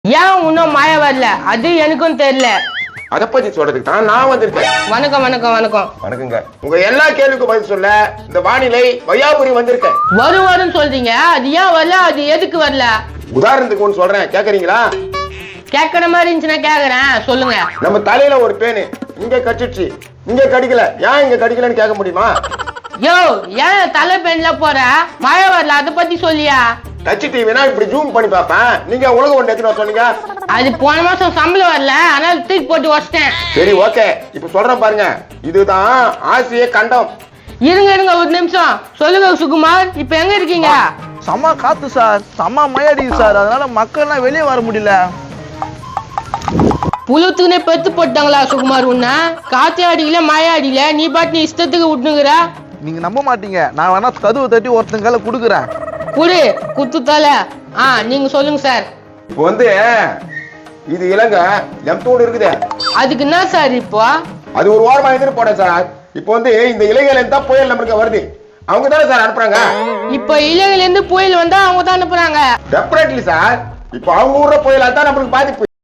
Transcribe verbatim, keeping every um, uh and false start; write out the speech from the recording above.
ஏன் இன்னும் மழை வரல அது எனக்கும் தெரியல. அத பத்தி சொல்றதுக்கு தான் நான் வந்திருக்கேன். வணக்கம் வணக்கம் வணக்கம் வணக்கங்க. உங்க எல்லா கேள்விக்கும் பதில் சொல்ல இந்த வானிலை வையாபுரி வந்திருக்கேன். வரும் வரும்னு சொல்றீங்க, அது ஏன் வரல, அது எதுக்கு வரல? உதாரணத்துக்கு ஒன்று சொல்றேன், கேக்குறீங்களா? கேட்கற மாதிரி இருந்துச்சுன்னா கேக்குறேன், சொல்லுங்க. நம்ம தலையில ஒரு பேனு இங்க கடிச்சிடுச்சு, இங்க கடிக்கல, ஏன் இங்க கடிக்கலன்னு கேட்க முடியுமா? யோ, ஏன் தலை பெண்ல போற? மழை வரல, அதை பத்தி சொல்லியா? டச் டிவினா இப்படி ஜூம் பண்ணி பாப்பேன். நீங்க உலக ஒன்று எத்தனை சொன்னீங்க? அது போன மாசம் சம்பளம் வரல, அதனால தூக்கி போட்டு வச்சிட்டேன். சரி, ஓகே. இப்ப சொல்றேன் பாருங்க, இதுதான் ஆசிய கண்டம். இருங்க இருங்க ஒரு நிமிஷம், சொல்லுங்க சுகுமார், இப்ப எங்க இருக்கீங்க? செம்ம காத்து சார், செம்ம மழை அடிக்குது சார், அதனால மக்கள்லாம் வெளியே வர முடியல. புழுத்துக்குனே பெத்து போட்டாங்களா சுகுமார்? உன்ன காத்தே அடிக்கல, மழை அடிக்கல, நீ பாட்டு நீ இஷ்டத்துக்கு விட்டுனுக்குற. நீங்க நம்ப மாட்டீங்க, நான் வேணா கதவு தட்டி ஒருத்தங்க கையில குடுக்குறேன். குடு குத்து தலை. ஆ, நீங்க சொல்லுங்க சார். இப்போ வந்து இது இலங்கை எம்தோடு இருக்குது. அதுக்கு என்ன சார் இப்போ? அது ஒரு வாரமா எதிர்ப்பு போட சார். இப்போ வந்து இந்த இலங்கையில இருந்தா புயல் நம்மளுக்கு வருது, அவங்க தானே சார் அனுப்புறாங்க. இப்ப இலங்கையில இருந்து புயல் வந்தா அவங்க தான் அனுப்புறாங்க. Definitely sir. இப்போ அவங்க ஊர்ல புயலா தான் நம்மளுக்கு பாதிப்பு.